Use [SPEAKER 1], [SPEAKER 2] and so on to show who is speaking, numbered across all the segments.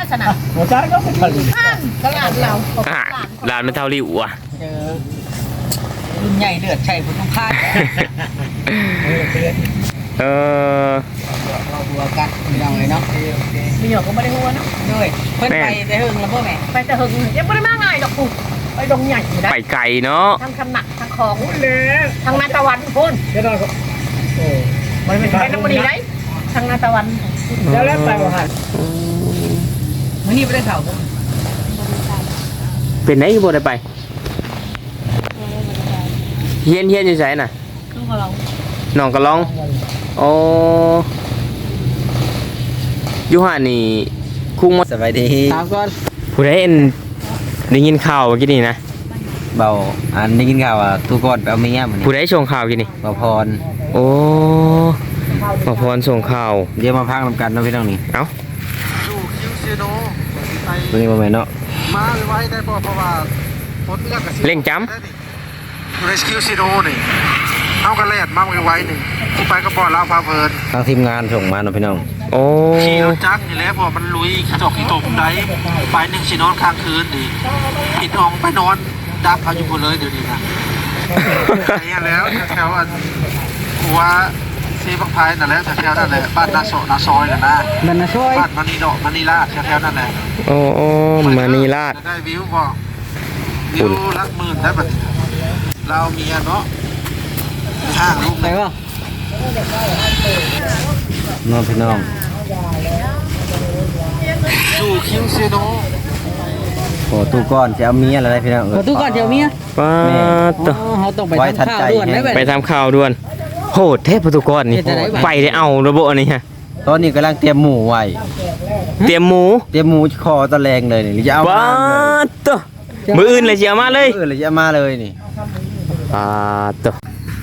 [SPEAKER 1] สนะ
[SPEAKER 2] หัวใจก็เป็นผลิต
[SPEAKER 1] ตลาดเรา
[SPEAKER 3] ร้านมันเท่าริ้วอ่ะ
[SPEAKER 2] รุ่นใหญ่เลือดใช่ผมต้องคาดหัวกัดยังไงเนาะ
[SPEAKER 1] มีหยอกก็ไม่ได้หัวเนาะ
[SPEAKER 2] ด้วยเพิ่นไปแต่หึงแล้วพ่อแม่
[SPEAKER 1] ไปแต่หึงยังไม่ได้มาง่ายดอกกูไปดงใหญ่อยู่นะ
[SPEAKER 3] ไปไกลเนาะ
[SPEAKER 1] ทางคำหนักทางของเลยทางนาตะวันพุ่น
[SPEAKER 2] เดี๋ยวเรา
[SPEAKER 1] มันเป็นน้ำมันดีไรทางนาตะวัน
[SPEAKER 2] แล้วไปว่าหันมื้อนี้ไม่ได้ข่าว
[SPEAKER 3] เป็นไหนบ่ได้ไปเฮียนอยู่ไสน่ะน้องกะลองโอ้อยู่ห่านี่คุ้งมา
[SPEAKER 4] สบายดี
[SPEAKER 2] ถามก่อน
[SPEAKER 3] ผู้ใดได้ยินข่าวเมื่อกี้นี่นะ
[SPEAKER 4] เบาอันได้กินข่าวทุกคนไปเอาเมียมัน
[SPEAKER 3] ผู้ใดส่งข่าวกี่นี่
[SPEAKER 4] เบาพร
[SPEAKER 3] โอ้บ่พรส่งข่าว
[SPEAKER 4] เดี๋ยวมาพักนำกันเนาะพี่น้องนี่
[SPEAKER 3] เอ้า
[SPEAKER 5] ดูคิวซีโน
[SPEAKER 4] ตัวนี้บ่แม่นเนาะ
[SPEAKER 5] มาไว้ได้เพราะว่าฝนเลือกกับ
[SPEAKER 3] เล่งจำ
[SPEAKER 5] ดูในคิวซีโนนี่เอากระแลดมาไว้หนึ่งไปก็บ่อลาวพาเพลิน
[SPEAKER 4] ทางทีมงานส่งมาเนาะพี่น้อง
[SPEAKER 3] โอ้
[SPEAKER 5] ขี่รถจักรนี่แหละเพราะมันลุยขี้ตกได้ไปหนึ่งชีนอนค้างคืนดิปิดอองไปนอนดับเอาอยู่หมดเลยเดี๋ยวนี้นะไอ้แล้วแถวหัวซีบักพายนั่นแหละแถวนั่นแหละบ้านนาซอยน่ะนะ
[SPEAKER 2] มันนะช่วย
[SPEAKER 5] บ้านมานีดอกมานีลาดแถวนั่นแหละ
[SPEAKER 3] โอ้มานีลาด
[SPEAKER 5] ได้วิวบ่วิวละหมื่นได้บัดเราเมียเนาะห้างลูก
[SPEAKER 2] ไปวะ
[SPEAKER 4] น้องพี่น้อง
[SPEAKER 5] ดูคิวซีโน
[SPEAKER 4] โอ้ตู้ก้อนจะเอาเมียอะไรพี่น้อง
[SPEAKER 2] ตู้ก้อนเดี๋ยวเมีย
[SPEAKER 3] ป้า
[SPEAKER 2] ต่อเขาต้องไปทำข่าวด่วน
[SPEAKER 3] ไปทำข่าวด่วนโหดเทพตุกรนี่ไปได้เอาระบบอันนี้ฮะ
[SPEAKER 4] ตอนนี้กำลังเตรียมหมูไว้
[SPEAKER 3] เตรียมหมู
[SPEAKER 4] คอตะแรงเลยนี่จะเอา
[SPEAKER 3] ป้าต่อมืออื่นเลยจะเอามาเลย
[SPEAKER 4] เลยจะเอามาเลยนี่
[SPEAKER 3] ป้าต่อ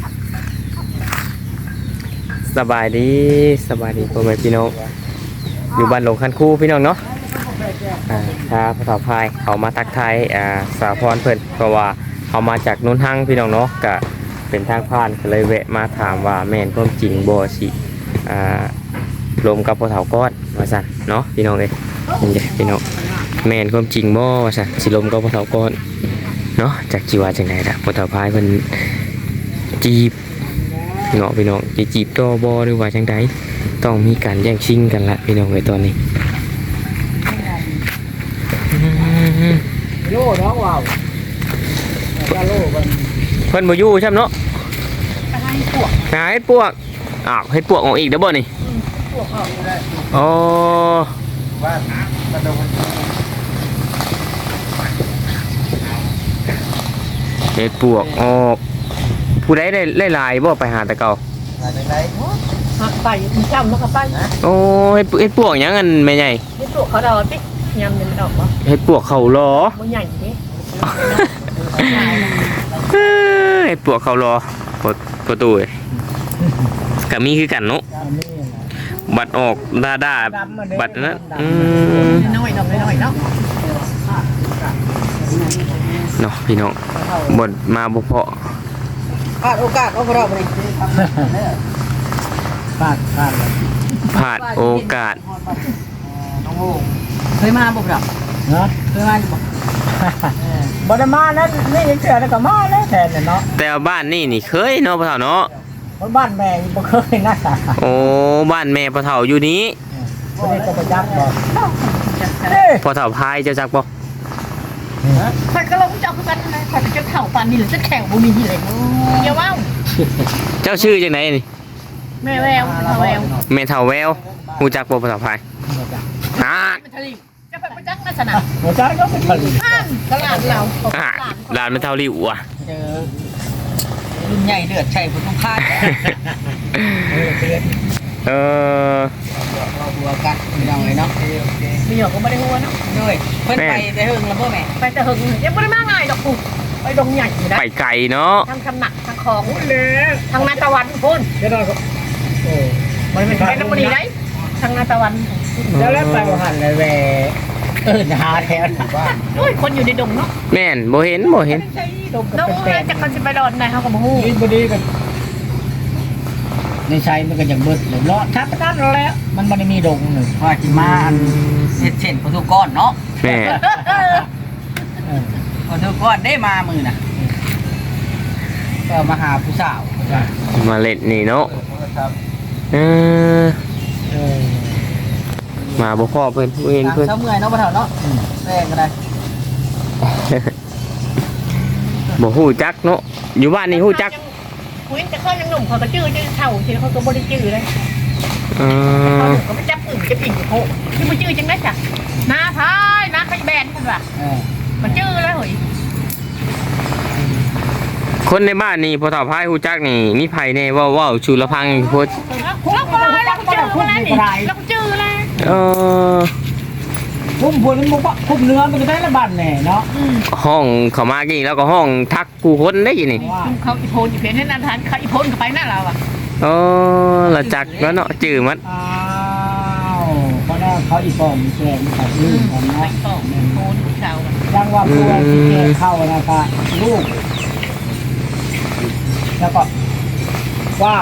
[SPEAKER 3] สบายดีพ่อแม่พี่น้องอยู่บ้านหลงคันคู่พี่น้องเนาะถ้าภาษาพายเขามาทักทายสาพรเพิ่นเพราะว่าเขามาจากนุ่นหั่งพี่น้องเนาะก็เป็นทางผ่านก็เลยแวะมาถามว่าแม่นความจริงบ่สิลมกับพ่อเฒ่าก้อนว่าซั่นเนาะพี่น้องเอ้ยนี่พี่น้องแม่นความจริงบ่ว่าซั่นสิลมกับพ่อเฒ่าก้อนเนาะจากจีว่าจังได๋ล่ะพ่อเฒ่าพายเพิ่นจีบเนาะพี่น้องจะจีบต่อบ่หรือว่าจังไดต้องมีการแย่งชิงกันละพี่น้องในตอนนี้
[SPEAKER 2] โล่เนาะว้าวโล่กัน
[SPEAKER 3] เพิ่นบ่อยู่ใช่เนาะให้ปวกอ้าวให้ปวกออกอีกเด้อบ่นี่ปวกออกได้อ๋อบ้านกระดงเฮ็ดปวกออกผู้ใดได้หลายบ่ไปหาแต่เก่า
[SPEAKER 1] หักไปมันจำแล้วก็ไป
[SPEAKER 3] โอ้เฮ็ดปวกหยังกันแม่ใหญ่
[SPEAKER 1] เฮ็ดปวกเขาดอกติยำมันออกบ่
[SPEAKER 3] เฮ็ดปวกเขารอ
[SPEAKER 1] บ่ใหญ่นี่
[SPEAKER 3] เฮ็ดปวกเขารอประตูก็มีคือกันเนาะบัดออกด่าบัดนั้น
[SPEAKER 1] น้อยเนาะ
[SPEAKER 3] เนาะพี่น้องบ่มาบ่พอ
[SPEAKER 2] พลาดโอกาสเอาพวกเราไปพลาด
[SPEAKER 3] โอกาส
[SPEAKER 2] เคยมาบ่ครับเนาะเคยมาอยู่บ่บ่ได้มานะนี่ยังเชื่อแล้วก็มาแล้วแทนเนาะ
[SPEAKER 3] แต่บ้านนี่เคยเนาะพ่อเฒ่าเนาะ
[SPEAKER 2] บ้านแม่บ่เคยนะ
[SPEAKER 3] โอ้บ้านแม่พ่อเฒ่าอยู่นี้
[SPEAKER 2] บ่ได้ก็บ่จักบ่
[SPEAKER 3] พ่อเฒ่าพายเจ้าจักบ่
[SPEAKER 1] ข่อยก็ลงจักคือกันนะข่อยจะเฒ่าปานนี้หรือจะแข่งบ่มีเลยอย่าว้าว
[SPEAKER 3] เจ้าชื่อจังไดนี่
[SPEAKER 1] แม่แววแ
[SPEAKER 3] ม่เฒ่าแววฮู้จักบ่พ่อเฒ่าพาย
[SPEAKER 1] จะไปจักลักษณะ
[SPEAKER 2] หัวใจก็เป็นผลิต
[SPEAKER 1] ตลาดเรา
[SPEAKER 3] ร้านมันเท่าริ้วอ่ะ
[SPEAKER 2] รุ่นใหญ่เลือดใช่ผมต้องคาดหัวกัดยังไงเนาะ
[SPEAKER 1] มีหยอกก็ไม่ได้หัวเนาะ
[SPEAKER 2] ด้วยเพิ่นไปแต่หึงแล้วพ่อแม่
[SPEAKER 1] ไปแต่หึงยังไม่ได้มาง่ายดอกกูไปดงใหญ่อยู่นะ
[SPEAKER 3] ไปไกลเนาะ
[SPEAKER 1] ทางคำหนักทางของเลยทางนาตะวันพุ่น
[SPEAKER 2] เดี๋ยวเรา
[SPEAKER 1] มันเป็นน้ำมันดีไรทางนาตะวัน
[SPEAKER 2] แล้วไปว่าหันเลยแหวหาแถวบ้าน
[SPEAKER 1] โอ้ยคนอยู่ในดงเนาะ
[SPEAKER 3] แม่นบ่เห็น
[SPEAKER 1] น้องจะคนสิไปดอนไหนเขาก็บ่ฮู้
[SPEAKER 2] บ่ดีกันในชัยมันก็อย่างเบิดเลยเลาะทัดกันแล้วมันบ่ได้มีดงเลย
[SPEAKER 6] ว่าสิมาอันเฮ็ดเส้นประตูก้อนเนาะ
[SPEAKER 3] แม่
[SPEAKER 6] ประตูก้อนได้มามื้อน่ะก็มาหาผู้สาว
[SPEAKER 3] มาเล่นนี่เนาะเออ
[SPEAKER 2] เออ
[SPEAKER 3] มาบ่พ่อเพิ่นบ่เห็น
[SPEAKER 6] ทาง
[SPEAKER 3] เพิ่น
[SPEAKER 6] เช้าเมื่อยเนาะบ่เฒ่าเนาะแรงก็ได้
[SPEAKER 3] บ่ฮู้จักเนาะอยู่บ้านนี่ฮู้จัก
[SPEAKER 1] คุยแต่เขายังหนุ่มเขาก็จื้อเท่าทีเขาก็บ่ได้จื้อเลย
[SPEAKER 3] เอ
[SPEAKER 1] เขา
[SPEAKER 3] อ
[SPEAKER 1] ก็ไม่จับอื่นจะผิดโหที่บ่จื้อจังได้จ้ะน้าพายน้าไข่แบนเพิ่นว่า
[SPEAKER 2] เออ
[SPEAKER 1] มันจื้อแล้วเฮ้ย
[SPEAKER 3] คนในบ้านนี่พอเฒ่าพายฮู้จักนี่มีไผแน่เว้าชูละพังโพด
[SPEAKER 1] เราก็เลยเราก็จื้อมาแล้วนี่เราก็จื้อแล้ว
[SPEAKER 3] เออ
[SPEAKER 2] พุ่มพวกมันบ่พุ่มเนื้อมันก็ได้ละบาทแน่เนาะ
[SPEAKER 3] ห้องเขามากี่แล้วก็ห้องทักกูคนได้ยินนี่
[SPEAKER 2] ว่า
[SPEAKER 1] เขาอีโพนอีเพนให้นันทานเขาอีโพนก็ไปนั่นเราอ่ะ
[SPEAKER 3] เออละจักแล้วเนาะจื้อมัน
[SPEAKER 2] อ้าวเพราะนั้นเขาอีปอมแกงกับลูกของ
[SPEAKER 1] ไป
[SPEAKER 2] เนาะ
[SPEAKER 1] ต่อโพนเช้า
[SPEAKER 2] ดังว่าครัวที่แกเข้านะครับลูก แล้วก็กว้าง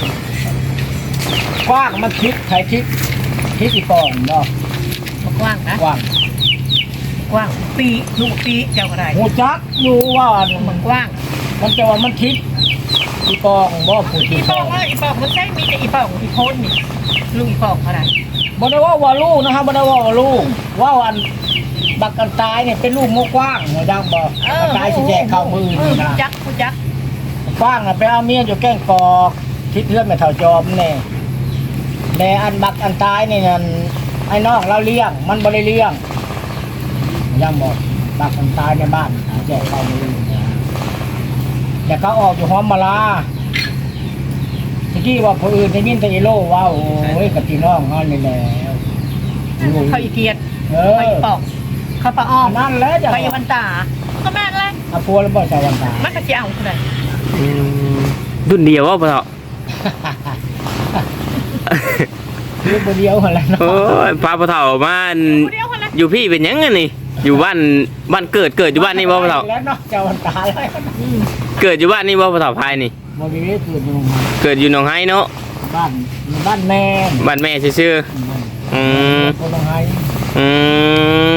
[SPEAKER 2] มันคิดใครคิดอีปอมเนาะ
[SPEAKER 1] กว้างนะ
[SPEAKER 2] กว้าง
[SPEAKER 1] กว้างปีลูกปีเจ้าก็ได้
[SPEAKER 2] หูจักอยู่ว่า
[SPEAKER 1] มันกว้าง
[SPEAKER 2] มันจะว่ามันคิดอีปองบ่ผู้
[SPEAKER 1] อี
[SPEAKER 2] ที่
[SPEAKER 1] ปองว่าอีปองมันใช่มีแต่อีปองอีโพนนี่ลูกอีปองเขาได้
[SPEAKER 2] บ่ได้ว่าลูกนะครับบ่ได้ว่าลูกว่าอันบักกันตายเนี่ยเป็นลูกงกว้างหัวดังบ่กันตายสิแจกเข้ามือนี่นะ
[SPEAKER 1] จักผู้จัก
[SPEAKER 2] กว้างน่ะไปเอาเมียอยู่แก้งกอกคิดเพื่อนแม่เฒ่าจอมแน่แต่อันบักอันตายนี่นั่นไอ้น้องเราเลี้ยงมันบ่ได้เลี้ยงยังบอกบักอันตายในบ้านแจกเข้ามือแต่เขาออกอยู่หอมมาลาที่ว่าผู้อื่นได้ยินแต่อีโลว่าโอ้ยกับพี่น้องเฮานี่แหละ
[SPEAKER 1] เขาอีเกียด
[SPEAKER 2] เอ
[SPEAKER 1] เขา
[SPEAKER 2] อ
[SPEAKER 1] อีปองเขาปะอ้อม
[SPEAKER 2] นั่นแหละจะ
[SPEAKER 1] เขาอีวันตาก็แม่นเลย
[SPEAKER 2] อาพัวแล้วบ่ใช่วันตา
[SPEAKER 1] มันก็จะเอาคนใด
[SPEAKER 3] อืมรุ่นเดียวว่าพอเฒ่า
[SPEAKER 2] ลูกบ่เดียวหั่นแหละเนาะ
[SPEAKER 3] โอ้ยพาพอเฒ่ามาอัน
[SPEAKER 1] ผู้เดียวคนละ
[SPEAKER 3] อยู่พี่เป็นหยังไงนี่อยู่บ้านเกิดอยู่บ้านนี่บ่พอเฒ่า
[SPEAKER 2] แล้วเนาะเจ้าวันตาแล้ว
[SPEAKER 3] เกิดอยู่บ้านนี่บ่พอเฒ่าพายนี่
[SPEAKER 2] บ่มีเกิดอยู่
[SPEAKER 3] เกิดอยู่หนองไห้เนาะ
[SPEAKER 2] บ้านแม่
[SPEAKER 3] บ้านแม่ซื่อๆอืม
[SPEAKER 2] คนละไห้
[SPEAKER 3] อืม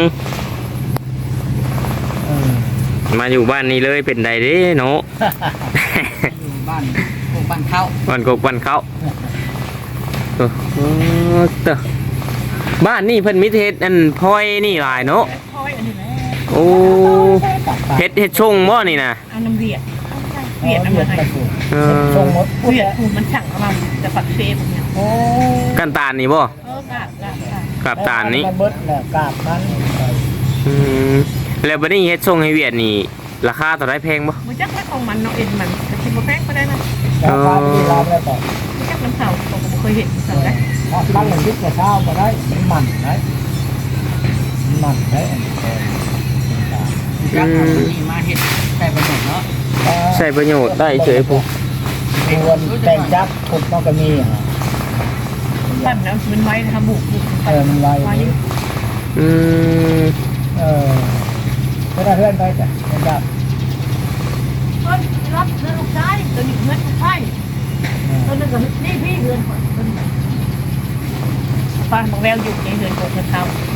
[SPEAKER 2] เออ
[SPEAKER 3] มาอยู่บ้านนี้เลยเป็นไดเด้เนาะ
[SPEAKER 6] อยู่บ้านพวกบ้านเข้า
[SPEAKER 3] บ้านกกบ้านเขาเออเตอะบ้านนี่เพิ่นมิเทศอันพลอยนี่หลายเนาะ
[SPEAKER 1] พอยอันนี้แหละ
[SPEAKER 3] โอ้เฮ็ดชงบ่นี่นะ
[SPEAKER 1] อันน้ำเวียดเวียดอันเดียวให้
[SPEAKER 3] เออ
[SPEAKER 2] ชงหมด
[SPEAKER 1] เวียดคูมันสั่งมาจะฝักเซฟเนี่ย
[SPEAKER 2] โอ้
[SPEAKER 3] กันตาลนี่บ่
[SPEAKER 1] กราบ
[SPEAKER 3] กับตาลนี้
[SPEAKER 2] เบิดแล้วกราบมัน
[SPEAKER 3] อืมแล้วบัดนี้เฮ็ดชงให้เวียดนี่ราคาเท่าไรแพงบ่
[SPEAKER 1] มันจักไม่ของมันเนาะเอ็นมันจะคิดว่าแพงก็ได้นะ
[SPEAKER 2] ราคาที่เราแล้วก็
[SPEAKER 1] มันจักน้ำเผาผมเคยเห็นสั่งได้
[SPEAKER 2] ตั้งแต่ยุคเช้าก็ได้มันได้มันได้
[SPEAKER 6] ยักษ์เอาตัวนี้มาเฮ็ดใช้ประโยชน์เนาะ
[SPEAKER 3] ใช้ประโยชน์ได้เฉยผู้
[SPEAKER 2] ควรแต่งจับถูกต้องก็มี
[SPEAKER 1] แบบนั้นมันไว้นะคะบุก
[SPEAKER 2] มันไว
[SPEAKER 1] ไว้นี่
[SPEAKER 3] อืม
[SPEAKER 2] เพื่อนเพื่อนไปจ้ะเป็นจับ
[SPEAKER 1] เฮ้ยรับเงินลูกชายตัวนี้เงินลูกชายตัวนึงก็นี่พี่เงินก่อนป้าบอกแววอยู่ในเงินของเขา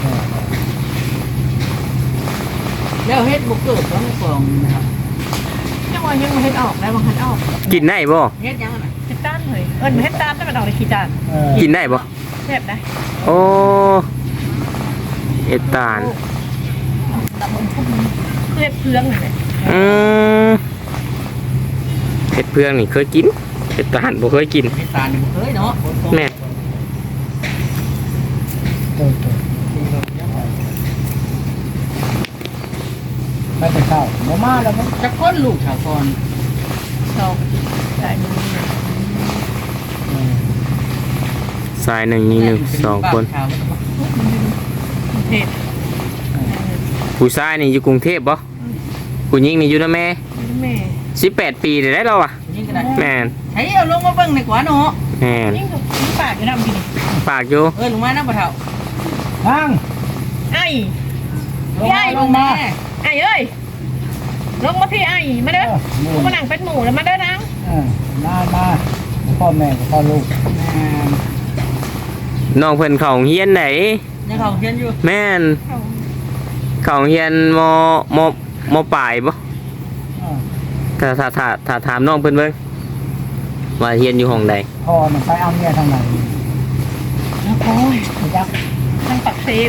[SPEAKER 6] แล้วเฮ็ดบ่เกิดต้องกองนะครับ
[SPEAKER 1] ยังว่ายังไม่เห็นออกแล้วบางคันออก
[SPEAKER 3] กินได้บ่
[SPEAKER 6] เฮ็ดยังน่ะ
[SPEAKER 1] เฮ็ดต้านเลยเฮ็ดต้านได้มาดอกในขี้จาน
[SPEAKER 3] กินได้บ่
[SPEAKER 1] แซ่บนะ
[SPEAKER 3] โอ้เฮ็ดตาล
[SPEAKER 1] ตับมันพุ่งเพื่อเพื่องเลย
[SPEAKER 3] อืมเผ็ดเพื่องนี่เคยกินเผ็ดตาลบ่เคยกิน
[SPEAKER 6] เฮ็ดตาลนี่บ่เคยเนาะ
[SPEAKER 3] แม่
[SPEAKER 2] ไม่เป็นข้าวหมูมาแล้วมั้ง
[SPEAKER 6] จักคนลูกชาวก่อน
[SPEAKER 1] สองใส่มือ
[SPEAKER 3] สายหนึ่งนี่หนึ่งสองคน
[SPEAKER 6] ชาว
[SPEAKER 1] เผ็ด
[SPEAKER 3] ผู้ชายนี่อยู่กรุงเทพบ่ผู้หญิงนี่อยู่นะแม่
[SPEAKER 1] แม่
[SPEAKER 3] 18 ปีได้แล้วอ่ะ
[SPEAKER 6] นี่ก็ได้
[SPEAKER 3] แม่น
[SPEAKER 6] ใช้เอาลงมาเบิ่งดีกว่าเนาะ
[SPEAKER 3] แม่น
[SPEAKER 1] ยิ่งปากอยู่น้ำกิน
[SPEAKER 3] ปากอยู่
[SPEAKER 6] ลงมานะบ่เฒ่า
[SPEAKER 2] นั่ง
[SPEAKER 1] ไอ้
[SPEAKER 6] ลงมา
[SPEAKER 1] ไอ้เอ้ยลงมาพี่ไอ้มาเด้อมานั่งเป็นหมูแล้วมาเด้อนัง
[SPEAKER 2] มาพ่อแม่กับพ่อลูก
[SPEAKER 3] น้องเพิ่นเข้าโรงเรียนไหน
[SPEAKER 6] ยังของเฮียนอยู่
[SPEAKER 3] แม่นเข้าโรงเรียนมปลายบ่ถ้าถามน้องเพิ่นเบิ่งว่าเรียนอยู่ห้องใด
[SPEAKER 2] พ่อมันไปเอาเมียทางไหน
[SPEAKER 1] โอ้ย
[SPEAKER 2] ยักษ์
[SPEAKER 1] ทางปักเซม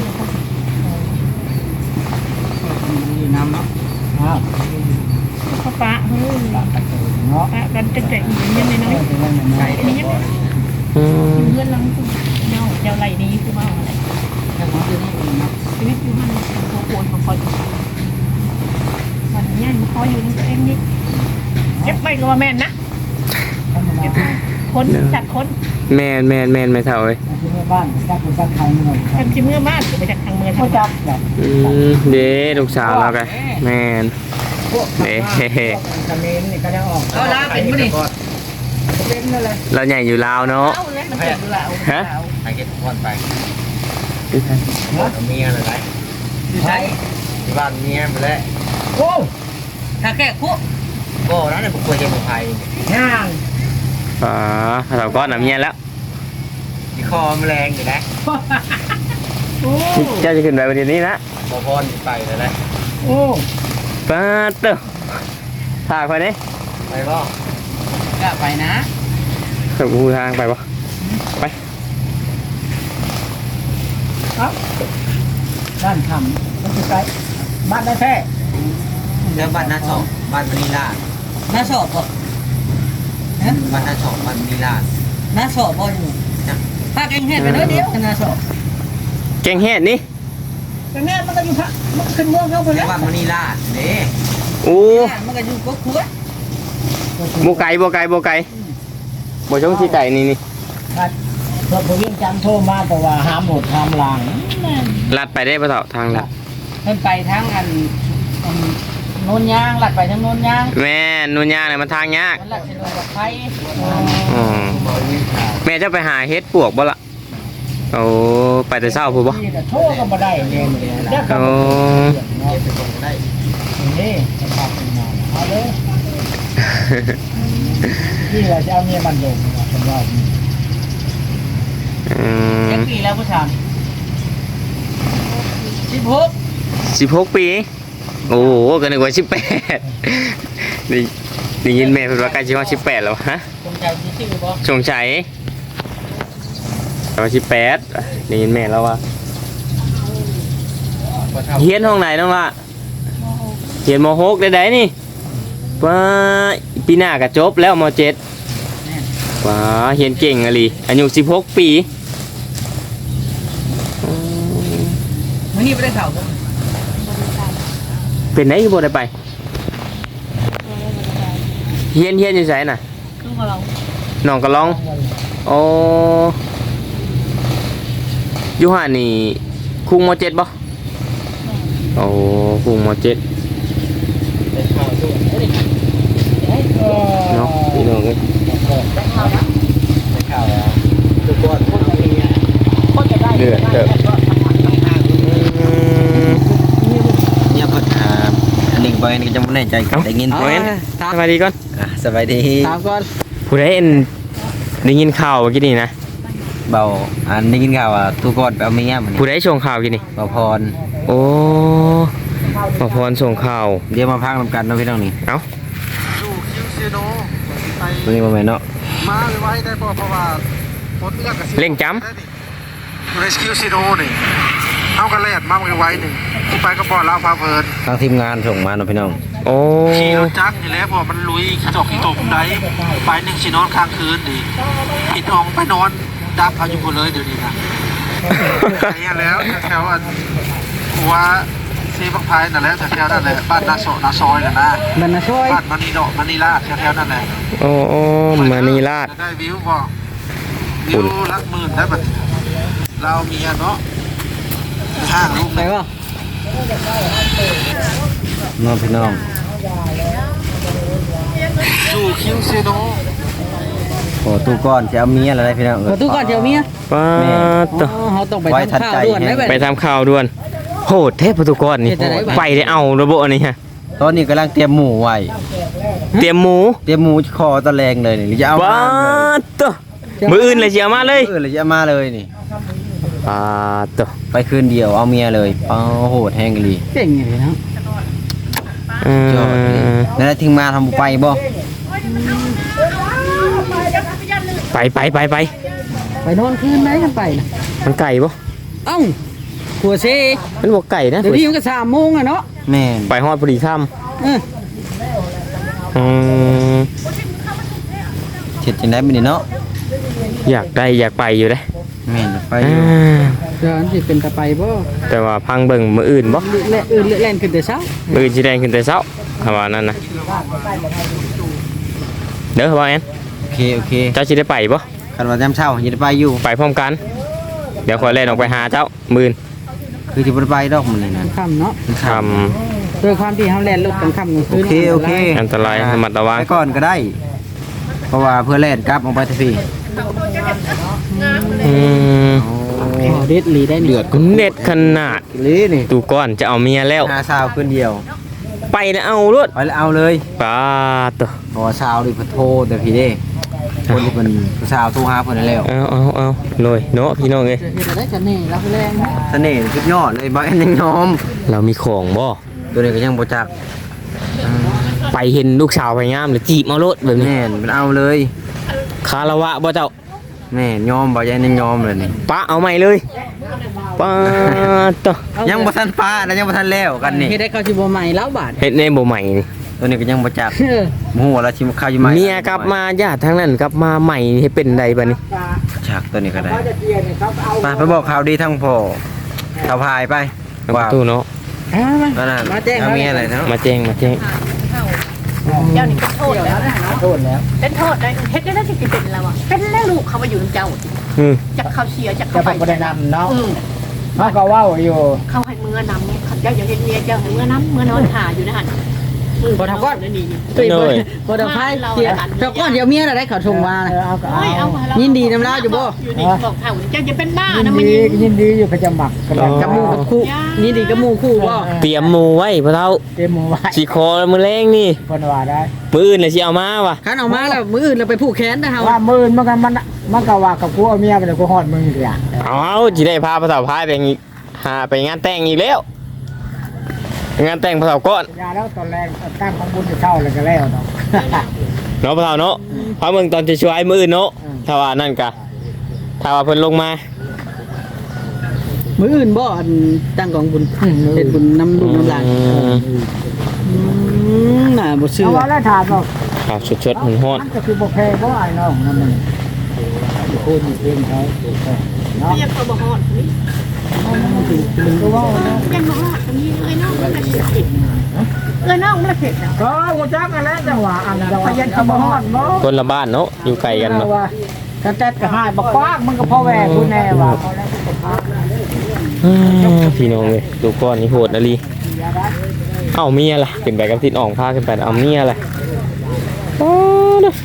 [SPEAKER 6] มีน้ำเนาะ
[SPEAKER 2] อ้าว
[SPEAKER 1] เขาปะเฮ้ย
[SPEAKER 2] ตามตะเกียบเนาะ
[SPEAKER 1] ปะกันตั้งแต่อีกยังน้อย
[SPEAKER 2] เป็นยังไง
[SPEAKER 1] ๆมียัง
[SPEAKER 3] อืม
[SPEAKER 1] เพื่อนลังเจ้าไหลนี้คือมาอะไร
[SPEAKER 6] แต่ของที่นี่มีเนาะ
[SPEAKER 1] ชีวิตอยู่มันโคตรมาคอยวันนี้มันคอยอยู่ในตัวเองนี่เก็บไปก็ว่าแม่นนะเก็บคนจัดคน
[SPEAKER 3] แม่นไม่เท่าเอ้ย
[SPEAKER 2] ที่บ้านจักรจักรไทยเงิน
[SPEAKER 1] ทำชิ้นเมื่อมากไปจากทางเมือง
[SPEAKER 2] เขาจับแบบ
[SPEAKER 3] เด้ลูกสาวเรากันแม่น
[SPEAKER 2] พวกเขมรนี่ก็ได้ออก
[SPEAKER 6] เอาละเป็นมั้ยนี่
[SPEAKER 2] เป็นนั่นเลย
[SPEAKER 3] เราใหญ่อยู่ลาวเนาะ
[SPEAKER 1] เอาเลยมันเกิดอยู่แล้ว
[SPEAKER 3] ฮะ
[SPEAKER 4] ไปเก็บพ่อนไปเอาเมียเลยไหม
[SPEAKER 6] ใช่
[SPEAKER 4] ที่บ้านเมียไปแล้ว
[SPEAKER 2] โอ้
[SPEAKER 6] ถ้าแค่คุ
[SPEAKER 4] ก็แล้วเนี่ยผมควรจะบุกไทย
[SPEAKER 2] ย่าง
[SPEAKER 3] เราก็น้ำเงี้ยแล้ว
[SPEAKER 4] ที่คอมันแรงอยู่นะ
[SPEAKER 3] เจ้าจะขึ้นไปวันนี้นะ
[SPEAKER 4] บอพรไปเลยนะ
[SPEAKER 2] โอ้
[SPEAKER 3] ป้าเต้าพาไปนี่
[SPEAKER 4] ไปบ่
[SPEAKER 6] ก็ไปนะ
[SPEAKER 3] ขับกูทางไปปะไป
[SPEAKER 2] ครับด้านทำมันจะไปบ้านได้แท้
[SPEAKER 4] แล้วบ้านนาชอบบ้านมณีลาด
[SPEAKER 6] น้าสอบบ่
[SPEAKER 4] บ้านนาชอบบ้านมณีลาด
[SPEAKER 6] น้าสอบบ่อยู่ถ้าแกงเฮ็ดไปน้อยเดียวน้าสอบ
[SPEAKER 3] แกงเฮ็ดนี่
[SPEAKER 2] แต่แม่มันก็อยู่พระมันขึ้นเมืองเข้าไป
[SPEAKER 4] แล้
[SPEAKER 2] แล้ว ว
[SPEAKER 4] บ้านมณีลาดนี่
[SPEAKER 3] โอ้
[SPEAKER 6] มันก็อยู่ก็ครัว
[SPEAKER 3] โบไก่โบช่องที่ไก่นี่
[SPEAKER 2] พอผมยังจำโทรมาแต่ว่าห้ามหมดห้ามหลัง
[SPEAKER 3] ลัดไปได้ปะเถาทางลัด
[SPEAKER 6] เพิ่นไปทางอันโนนยางลัดไปทางโนนยาง
[SPEAKER 3] แม่นุ่นยากเลยมันทางยาก
[SPEAKER 6] มันลัดสิลงกับไฟ
[SPEAKER 3] แม่จะไปหาเฮ็ดปวกบ่ละโอ้ไปแต่เช้าพูดบ่
[SPEAKER 2] นี่แต่โทรก็มาได้เนี่ยได้ก็
[SPEAKER 3] โอ้
[SPEAKER 2] ได้นี่จะพาไปนอนเอาเลยนี่เราจะเอาเมียมันลงผมว่า
[SPEAKER 6] จักปีแล้วผู้ชาย16
[SPEAKER 3] 16 ปี โอ้โหก็นึกว่า18ได้ยินแม่เพิ่นว่าใกล้สิฮอด18แล้วฮะ
[SPEAKER 6] ผมใจสิชื่อบ่
[SPEAKER 3] ชงชัยตอน18ได้ยินแม่แล้วว่าเฮียนห้องไหนน้องล่ะเฮียนม.6ได้ๆนี่ว่าปีหน้าก็จบแล้วม.7ว้าเฮียนเก่งอะลีอายุ16 ปี
[SPEAKER 6] มื้อนี้บ่ได้เข้าบ่
[SPEAKER 3] เป็นไหนคือบ่ได้ไปเฮียนอยู่ไสน่ะ
[SPEAKER 1] คือของเรา
[SPEAKER 3] น้องก็ลองโอ้อยู่ห่านี่คุงม.7บ่โอ้คุงม.7เนาะพี่น้องเอ้ย
[SPEAKER 4] ทุกคนพวกเราเนี่ย
[SPEAKER 3] เดือดเด้อ
[SPEAKER 4] เนี่ยเพิ่นอันนี้ไปนี่จะไม่แน่ใจได้ยิน
[SPEAKER 3] เอาเอ็นสบายดีก่อน
[SPEAKER 4] สบายดี
[SPEAKER 6] ถามก่อน
[SPEAKER 3] ผู้ใดเอ็นได้ยินข่าวเมื่อกี้นี่นะ
[SPEAKER 4] เบาอันได้ยินข่าวว่าทุกคนไปเอาเมียมัน
[SPEAKER 3] ผู้ใดส่งข่าวเมื่อกี้นี่
[SPEAKER 4] เบาพร
[SPEAKER 3] โอ้มาพรส่งข่าว
[SPEAKER 4] เดี๋ยวมาพักนำกันเนาะพี่น้องนี่
[SPEAKER 3] เอ้า
[SPEAKER 5] อยู่คิวซีโนไป
[SPEAKER 4] ตัวนี้บ่แม่นเนาะ
[SPEAKER 5] มาไว้ได้เพราะว่าพดเลือกกับ
[SPEAKER 3] เร่งจ
[SPEAKER 5] อยู่ในคิวซีโนนี่เอากันแลดมาไว้หนึ่งที่ไปก็บ่อลาวพาเพลิน
[SPEAKER 4] ทางทีมงานส่งมาเนาะพี่น้อง
[SPEAKER 3] โอ้
[SPEAKER 5] ขี่รถจักรอยู่แล้วพอมันลุยขี้จอกขี้ตมได้ไปหนึ่งสินอนค้างคืนดิปิดห้องไปนอนดับเอาอยู่หมดเลยเดี๋ยวนี้นะไอ้แล้วแถวอันหัวซีบักพายนั่นแหละแถวนั่นแหละบ้านนาซอยน่ะนะ
[SPEAKER 6] มันน่ะช่วย
[SPEAKER 5] บ้านมันนีดอกมันนีลาดแถวนั่นแหละ
[SPEAKER 3] โอ้มานีราช
[SPEAKER 5] ได้วิวบ่วิวละหมื่นได้บัดนี้เรามีเนาะห้างลูก
[SPEAKER 6] ไปบ่
[SPEAKER 4] น้องพี่น้อง
[SPEAKER 5] สู่คิวซีโน
[SPEAKER 4] โอ้ตู้ก้อนจะเอาเมียอะไรพี่น้อง
[SPEAKER 6] ประตูก่อนเดี๋ยวเมีย
[SPEAKER 3] ป้า
[SPEAKER 6] อ๋อเฮาต้องไปทำข้าวด่วนได้
[SPEAKER 3] ไปทำข่าวด่วนโหดเทพประตูกรนี่ไปได้เอาระบบอันนี้ฮะ
[SPEAKER 4] ตอนนี้กำลังเตรียมหมูไว้
[SPEAKER 3] เตรียมหมู
[SPEAKER 4] เตรียมหมูคอตะแรงเลยนี่หรือจะเอา
[SPEAKER 3] ว้า
[SPEAKER 4] มา
[SPEAKER 3] ตัวมืออื่นเลยสิเอามาเลย
[SPEAKER 4] หรือจะเอามาเลยนี่
[SPEAKER 3] ตัว
[SPEAKER 4] ไปคืนเดียวเอาเมียเลยโหดแห้งเลย
[SPEAKER 6] เก่งอย่างนี้นะ
[SPEAKER 4] ยอดเลยแล้วถึงมาทำไปบ่
[SPEAKER 3] ไป
[SPEAKER 6] ไปนอนคืนไหนกันไปนะ
[SPEAKER 3] มันไก่บ่
[SPEAKER 6] เอ้าหัวเซ
[SPEAKER 3] มันบอกไก่นะ
[SPEAKER 6] เดี๋ยวนี้มันก็3 โมงอะเนาะ
[SPEAKER 4] แม่น
[SPEAKER 3] ไปฮอดพอดีค่
[SPEAKER 6] เออ
[SPEAKER 3] ำ
[SPEAKER 4] เช็ดจังได้บ่นี่เนาะ
[SPEAKER 3] อยากไปอยู่เด้
[SPEAKER 4] แม่นไปอยู่
[SPEAKER 6] เดี๋ยวอันสิเป็นตะไปบ่
[SPEAKER 3] แต่ว่าพังเบิ่งมืออื่นบ่
[SPEAKER 6] เล่นขึ้นแต่เช้า
[SPEAKER 3] มืออื่นสิแดงขึ้นแต่เช้าคำว่านั้นนะเด้อว่าแอน
[SPEAKER 4] โอเค
[SPEAKER 3] เจ้าสิได้ไปบ่
[SPEAKER 4] คันว่ายามเช้าสิได้ไปอยู่
[SPEAKER 3] ไปพร้อมกัน เดี๋ยวขอยเล่นออกไปหาเจ้ามื่น
[SPEAKER 4] คือสิบ่ได้ไปดอกมื้อนี้นั่น
[SPEAKER 6] ค่ำเนาะ
[SPEAKER 3] ท
[SPEAKER 6] โดยความที่เฮาแล่นรถกลางค่ำกลางคืน
[SPEAKER 4] โอเค
[SPEAKER 3] ำอันตรายระมัดระวัง
[SPEAKER 4] ไปก่อนก็ได้ เพราะว่าเพื่อแล่นกลับออกไปทันที
[SPEAKER 3] อืม
[SPEAKER 6] อ๋อเด็ดหลีได้นี่
[SPEAKER 4] เดือด
[SPEAKER 3] เน็ตขนาด
[SPEAKER 4] ลีนี่
[SPEAKER 3] ตูก้อนจะเอาเมียแล้ว
[SPEAKER 4] หาสาวคืนเดียว
[SPEAKER 3] ไปแล้วเอารถ
[SPEAKER 4] ไปแล้วเอาเลย
[SPEAKER 3] ป้าตัว
[SPEAKER 4] เพราะว่าสาวดิเพิ่นโทรแต่พี่เด้คนที่เพิ่นผู้สาวโทรหาเพิ่นนั่นแล้ว
[SPEAKER 3] เอาเลยเนาะพี่น้องเอ้ย
[SPEAKER 6] เฮ็ดได้กันนี่รับแรงนะ
[SPEAKER 4] เสน่ห์สุดยอดเลยบ่แอนยังยอม
[SPEAKER 3] เรามีของบ่
[SPEAKER 4] ตัวนี้ก็ยังบ่จัก
[SPEAKER 3] ไปเห็นลูกสาวไปงามหรือจีบเอารถแบบนี้
[SPEAKER 4] แม่นมันเอาเลย
[SPEAKER 3] คารวะบ่เจ้า
[SPEAKER 4] แม่นยอมบ่แอนยังยอมเลยนี่
[SPEAKER 3] ป้าเอาใหม่เลยป้าตัว
[SPEAKER 4] ยังบ่ทันฟ้าแล้วยังบ่ทันแล้วกันนี่
[SPEAKER 6] เฮ็ดได้เข้าสิบ่ใหม่แล้วบาด
[SPEAKER 3] เฮ็ดในบ่ใหม่นี่
[SPEAKER 4] ตัวนี้ก็ยังบ่จัก
[SPEAKER 6] เออ
[SPEAKER 4] บ่ฮู้ว่าเราสิมาเข้าอยู่ไหม
[SPEAKER 3] เมียกลับมาญาติทั้งนั้นกลับมาใหม่ให้เป็นใดบัดนี้
[SPEAKER 4] จักตัวนี้ก็ได้ไปบอกข่าวดีทั้งพ่อข่าวพายไป
[SPEAKER 3] เอาประตูเนาะ
[SPEAKER 4] นั่นน่ะ
[SPEAKER 6] มาแจ้ง
[SPEAKER 4] เอาเมียอะไรเนาะ
[SPEAKER 3] มาแจ้ง
[SPEAKER 1] เจ้านี่เป็นโทษแล้วนะ
[SPEAKER 6] โทษแล้ว
[SPEAKER 1] เป็นโทษได้เฮ็ดได้ที่สิเป็นแล้วอ่ะเป็นแล้วลูกเขามาอยู่กับเจ้า
[SPEAKER 3] อืม
[SPEAKER 1] จักเขาเชียร์จัก
[SPEAKER 6] จะ
[SPEAKER 1] เขา
[SPEAKER 6] ไป
[SPEAKER 1] ไป
[SPEAKER 6] บ่ได้นำเนาะ
[SPEAKER 1] อืม
[SPEAKER 6] เขาก็เว้าอยู่
[SPEAKER 1] เขาให้เมื่อนำเนี่ยเขาเจ้าอย่าเห็นเมียเจ้าให้เมื่อน้ำเมื่อนอนหาอยู่นะฮะ
[SPEAKER 6] บ่ทำก้อน
[SPEAKER 1] นี่
[SPEAKER 6] ตุ้ยบ่ได้พายเสียเจ้าก้อนเดี๋ยวเมียน่ะได้เขาชงมาน่ะ
[SPEAKER 1] โอ้ยเอามาแล้ว
[SPEAKER 6] ยินดีนำลาวอยู่บ่
[SPEAKER 1] อยู่นี่บอกเขาเจ้าจะเป็นบ้า
[SPEAKER 6] ยิน
[SPEAKER 1] นะมัน
[SPEAKER 6] ดี
[SPEAKER 1] ยิง
[SPEAKER 6] ยินดีอยู่เขาจะหมักกันกับหมู่กับคู่นี่ดีกับหมู่คู่บ่
[SPEAKER 3] เตรียมหมูไว้พ่อเฒ่า
[SPEAKER 6] เตรียมหมู่ไว้
[SPEAKER 3] สิคอมื้อแรงนี่
[SPEAKER 6] เพิ่นว่าได้
[SPEAKER 3] มื้ออื่นน่ะสิเอามาว่ะ
[SPEAKER 6] คันออกมาแล้วมื้ออื่นเราไปผูกแขนนะเฮา
[SPEAKER 2] ว่ามื่นมันก็ว่ากับกูเอาเมียไปเลยกูฮอดมึงอีกอย่าง
[SPEAKER 3] เอาสิได้พาพ่อเฒ่าพายไปอีกหาไปงานแต่งอีกแล้วงานแต่งพ่อเฒ่าก่อน
[SPEAKER 2] ยาแล้วตอนแรกตั้งของบุญจะเช่าเลยก็แล้วเนาะ
[SPEAKER 3] เนาะพ่อเฒ่าเนาะเพราะมึงตอนจะช่วยมื้ออื่นเนาะถ้าว่านั่นกะถ้าว่าเพิ่นลงมา
[SPEAKER 6] มื้ออื่นบ่อันตั้งกองบุญเฮ็ดบุญนำลูกนำหลานน่าบ่เชื่
[SPEAKER 2] เพ
[SPEAKER 6] อ
[SPEAKER 2] ราะว่าแล้วถามว่า
[SPEAKER 3] ครับชดๆฮ้อน
[SPEAKER 2] มันก็คือบ่แพ้เพราะไอ้น้องนั่นมันพูดเองเขาเนาะ
[SPEAKER 1] ไม่อยากเขาบอกฮอดนี่
[SPEAKER 2] มันก็ว่าเนาะ
[SPEAKER 1] ยังบอกฮอดตรงนี้เอ้ยน้องมันละเผ็ดเอ้ยน้องมันละเผ็ดนะ
[SPEAKER 2] ก็กูจักกันแล้วจังหวะอันนั้นพยันเขาบ่ฮอดบ่
[SPEAKER 3] คนละบ้านเนาะอยู่ไกลกันเนาะ
[SPEAKER 2] ว่าถ้าแต๊ดก็หายบ่กว้างมันก็พอแหวกกูแน่ว่าพอแล้วกูก็พัก
[SPEAKER 3] พี่น้องเอ้ยดูก้อนนี่โหดอะลีเอ้าเมียล่ะขึ้นไปกับทิศอ่องพาขึ้นไปเอาเมียล่ะโอ้เด้อ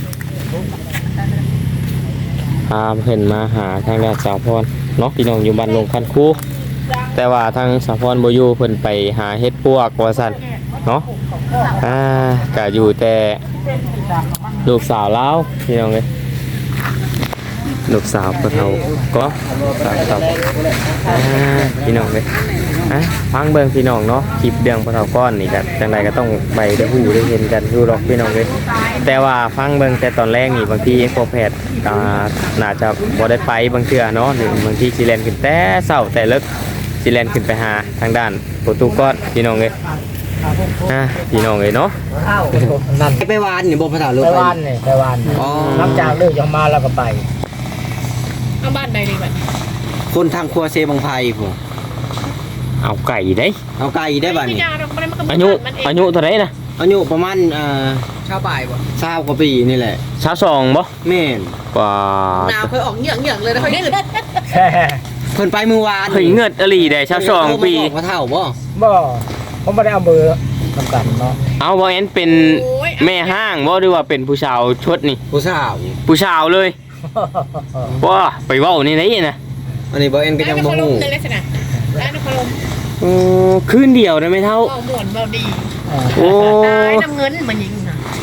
[SPEAKER 3] พาเพิ่นมาหาทางด้านสาวพรเนาะพี่น้องอยู่บ้านลงคันคูแต่ว่าทางสาวพรบ่อยู่เพิ่นไปหาเฮ็ดปวกว่าซั่นเนาะก็อยู่แต่ลูกสาวลาวพี่น้องเอ้ยลูกสาวพ่อเฒ่าก็สาวพี่น้องเอ้ยฟังเบิ่งพี่น้องเนาะคลิปเรื่องพ่อเฒ่าก้อนนี่ก็จังไดก็ต้องไปได้ฮู้ได้เห็นกันอยู่หรอกพี่น้องเอ้ยแต่ว่าฟังเบิ่งแต่ตอนแรกนี่บางทีพอแพทย์น่าจะบ่ได้ไปบางเทื่อเนาะหรือบางทีสิแล่นขึ้นแต่เช้าแต่เลิกสิแล่นขึ้นไปหาทางด้านประตูก้อนพี่น้องเอ้ยพี่น้องเอ้ยเนาะ
[SPEAKER 2] อ้าวนั่น
[SPEAKER 4] ไปวานนี่บ่ภาษาลูก
[SPEAKER 2] ไป
[SPEAKER 4] ไป
[SPEAKER 2] วานนี่ไปวาน
[SPEAKER 4] อ๋อ
[SPEAKER 2] หลังจากเลิกยังมาแล้วก็ไป
[SPEAKER 1] เอาบ้านใดเลยบัด
[SPEAKER 4] คนทางครัวเซบังไพพุ่น
[SPEAKER 3] เอาไก่ได้
[SPEAKER 4] เอาไก่ได้บัดนี้
[SPEAKER 3] อายุเท่าไหร่นะ
[SPEAKER 4] อายุประมาณ
[SPEAKER 6] ชาวบ่ายบ่
[SPEAKER 4] 20กว่าปีนี่แหละ
[SPEAKER 3] 22บ่
[SPEAKER 4] แม่น
[SPEAKER 3] กว่า
[SPEAKER 6] หนาวเคยออกเหยื่องๆเลยนะค่อยยืด
[SPEAKER 4] เพิ่นไปเมื่อวาน
[SPEAKER 3] เฮ้ยเงิดอหลีได้22ปี
[SPEAKER 4] ว่าเท่าบ่
[SPEAKER 2] บ่ผมไม่ได้เอาเบอร์กำกับเนาะ
[SPEAKER 3] เอาบ่แอนเป็นแม่ห้างบ่หรือว่าเป็นผู้สาวชดนี่
[SPEAKER 4] ผู้สาว
[SPEAKER 3] ผู้สาวเลยว้าไปเว้านี่ไหนนะ
[SPEAKER 4] อันนี้บ่เอ็นก็ยังบ่ฮู้
[SPEAKER 1] เลยลักษณะร้านนครลม
[SPEAKER 3] โอ้คืนเดียวได้ไหมเท่า
[SPEAKER 1] เบาหมวนเบาดี
[SPEAKER 3] โอ้
[SPEAKER 1] ตายน้ำเงินมันยิงนะ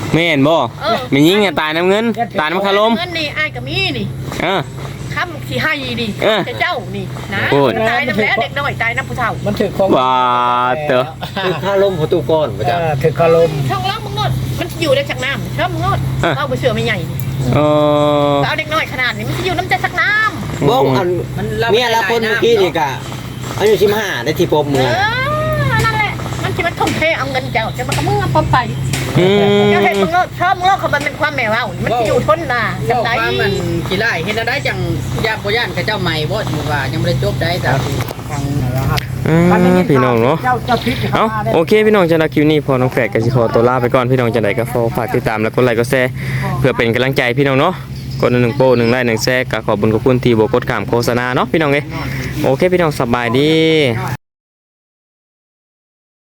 [SPEAKER 3] แม่นบ่มียิงตายน้ำเงินตายน้ำคารม
[SPEAKER 1] เงินนี่อ้ายก็มีนี่ คำที่ให้ดิเจ้านี่นะตายน้ำแล้วเด็กน้อยตายน้ำผู้เฒ่า
[SPEAKER 2] มันถือของ
[SPEAKER 3] ว่าเตอ
[SPEAKER 4] คือค่าลมประตูก้อนประจำ
[SPEAKER 2] ถือคารม
[SPEAKER 1] ช่องล่างมึงงดมันอยู่ในชักน้ำช่องมึงงดเอาไปเสือไม่ใหญ่ เอาเด็กน้อยขนาดนี้มันจะอยู่น้ำใจชักน้ำ
[SPEAKER 4] บ้องอันเมียละคนเมื่อกี้นี่กะอายุ15ได้ที่ปมมือ
[SPEAKER 1] นั่นแหละมันคิดว่าทุ่มเทเอาเงินเจ้าจะมาขโมยปอมไปเจ้าเห็นมึงงดชอบมึงงดเขามันเป็นความแมวเอามันอยู่ทนน่ะ
[SPEAKER 6] เจ้าว่ามันกี่ไร่เห็นได้จังย่าบ่ย่านกับเจ้าใหม่บ่ถือว่ายังบ่ได้จบได้แต่
[SPEAKER 2] ฟังนะครับ
[SPEAKER 3] พี่น้องเนาะ
[SPEAKER 2] เจ้าพิษ
[SPEAKER 3] เอาโอเคพี่น้องจะรับคลิปนี้พอน้องแฝดกับสิขอตัวลาไปก่อนพี่น้องจะไหนก็ฝากติดตามและกดไลค์กดแชร์เพื่อเป็นกำลังใจพี่น้องเนาะกด1โป้1ไลค์1แชร์ก็ขอบคุณที่บ่กดข้ามโฆษณาเนาะพี่น้องเอ้ยโอเคพี่น้องสบายดี